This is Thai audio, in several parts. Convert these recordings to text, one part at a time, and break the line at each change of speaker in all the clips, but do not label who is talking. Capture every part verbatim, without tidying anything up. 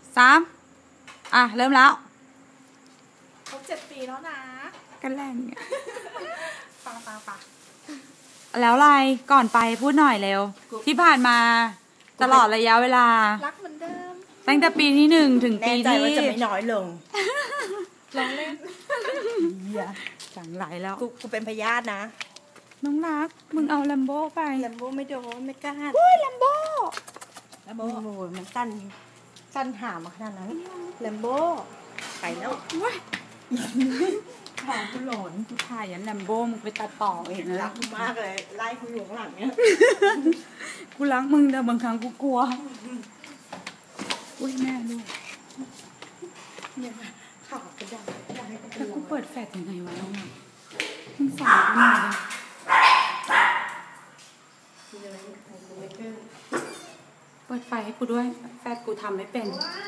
สามอ่ะเริ่มแล้ว
ครบเจ็ดปีแล้วนะ
กันแรงเนี่ย
ปะปะปะ
แล้วอะไรก่อนไปพูดหน่อยเร็วที่ผ่านมาตลอดระยะเวลา
รักเหมือนเดิม
ตั้งแต่ปีที่หนึ่งถึงปีที่
แน่ใจว่าจะไม่น้อยลง
ลองเล่น
จังไหลแล้ว
กูกูเป็นพยาธินะ
น้องรักมึงเอาลัมโบ้ไป
ลัมโบ้ไม่โดนไม่กล้า
โอ้ยลัมโบ้
ลัมโบ้โอ้ยมันสั้นสั้นหามาขนาดนั้นลัมโบ้ไปแล้ว
ว้ายถ่ายกูหลอนกูถ่ายยันลัมโบ้มึงไปตัดต่อเองนะ
รักกูมากเลยไล่กูอยู่ข้างหลังเนี้ย
กูรักมึงแต่บางครั้งกูกลัวอุ้ยแม่ลูก
เนี่ยข่าวกระดาษ
แล้วกูเปิดแฟลชยังไงวะน้องมึงสอนกูหน่อยดิเปิดไฟให้กูด้วยแฟลชกูทำไม่เป็น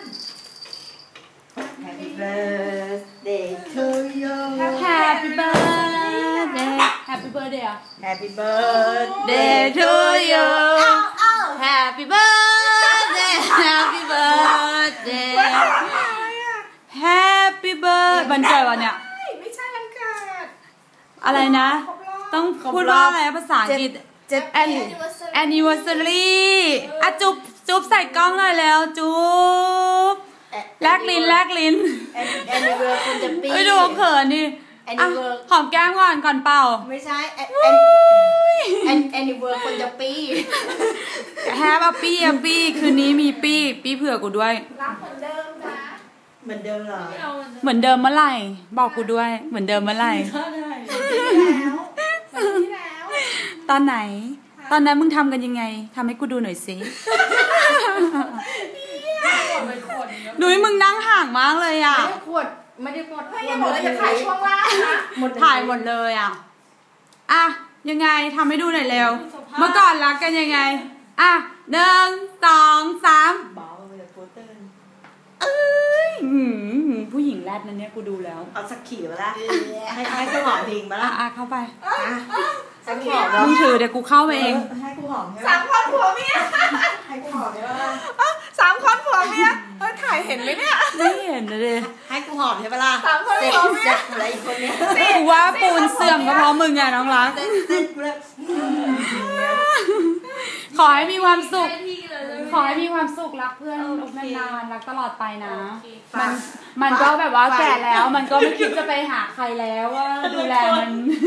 Happy birthday to you
Happy birthday Happy birthday อ่ะ
Happy birthday
to you Happy birthday Happy birthday Happy birthday วันเกิดวันเนี้ย
ไม่ใช่วันเกิด
อะไรนะต้องพูดว่าอะไรภาษาอังกฤษ
เจ็ด
anniversary อ่ะจุ๊บจุ๊บใส่กล้องหน่อยแล้วจุ๊บแลกลิ้นแลกลิ้น
anniversary คนจะปี
ไม่ดูเขินดิหอมแก้มก่อนก่อนเป่า
ไม่ใช่ anniversary คนจะปี
แฮปปี้ปี้อ่ะปี้คืนนี้มีปี้ปี้เผื่อกูด้วย
รักเหมือนเดิมนะ
เหมือนเดิมเหรอ
เหมือนเดิมเมื่อไหร่บอกกูด้วยเหมือนเดิมเมื่อไหร่
แล้วที่แล้ว
ตอนไหนตอนนั้นมึงทำกันยังไงทำให้กูดูหน่อยสิหนุ่ยมึงนั่งห่างมากเลยอ่ะ
ไม่ได้ขวดไม่ได้ขวด
ไม่ได้หมดเลยจะถ่ายช่วงล่างนะ
ถ่ายหมดเลยอ่ะอ่ะยังไงทำให้ดูหน่อยเร็วเมื่อก่อนรักกันยังไงอ่ะหนึ่งสองสาม
เบาเลยโปเตอร์
เอ้ยผู้หญิงแรดนั่นเนี่ยกูดูแล้ว
เอาสักขี่มาละให้ให้กูหอมพิงมาละ
อ่ะเข้าไป
สักหอม
มึงถือเดี๋ยวกูเข้าไปเอง
ให้กูหอม
สามคนผัวเมีย
ให้กูหอมได้ป่ะ
สามคนผัวเมียเออถ่ายเห็นไหมเนี่ย
ไม่เห็นเลย
ให้กูหอมใช่ปะล่ะ
สามคนผัวเมีย
อะไรอีกคนเนี้ย
กูว่าปูนเสื่อมก็เพราะมึงไงน้องรักขอให้มีความสุขขอให้มีความสุขรักเพื่อนนานๆรักตลอดไปนะมันมันก็แบบว่าแก่แล้วมันก็ไม่คิดจะไปหาใครแล้วว่าดูแลมัน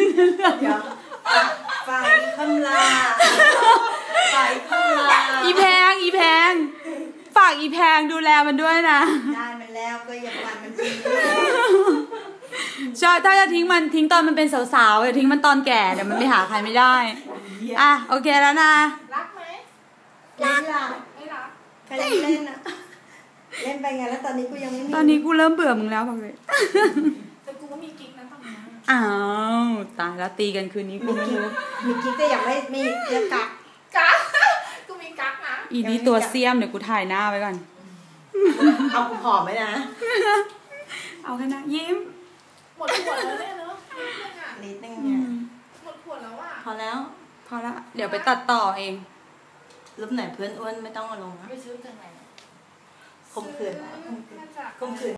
ฝ่ายคำลาฝ่ายคำลา
อีแพงอีแพงฝากอีแพงดูแลมันด้วยนะ
ได้มันแล้วก็อย่าปล่อยมันทิ้ง
ใช่ถ้าจะทิ้งมันทิ้งตอนมันเป็นสาวๆอย่าทิ้งมันตอนแก่เดี๋ยวมันไปหาใครไม่ได้อ่ะโอเคแล้วนะ
รักไหม
รัก
ไม่รัก
ใครเล่นนะเล่นไปไงแล้วตอนนี้กูยังไม่มี
ตอนนี้กูเริ่มเบื่อมึงแล้วบอกเลย
แต่กูก็มีกิ๊กนะตอนนี้
อ้าวตายแล้วตีกันคืนนี้กูไม่รู้
มีกิ๊กแต่ยังไม่มีเรื่องกัก
กักกูมีกักนะ
อีนี่ตัวเสี้ยมเดี๋ยวกูถ่ายหน้าไว้ก่อน
เอากูผอมไหมนะ
เอาแค่นะยิ้ม
หมดขวดแล้วเนี่ยเนาะ
นิดนึงเนี่ย
หมดขวดแล้วอ่ะ
พอแล้ว
พอละเดี๋ยวไปตัดต่อเอง
รูปไหนเพื่อนอ้วนไม่ต้องเอาลงนะ
ไปซื้อจากไหน
คมขืนคมขืน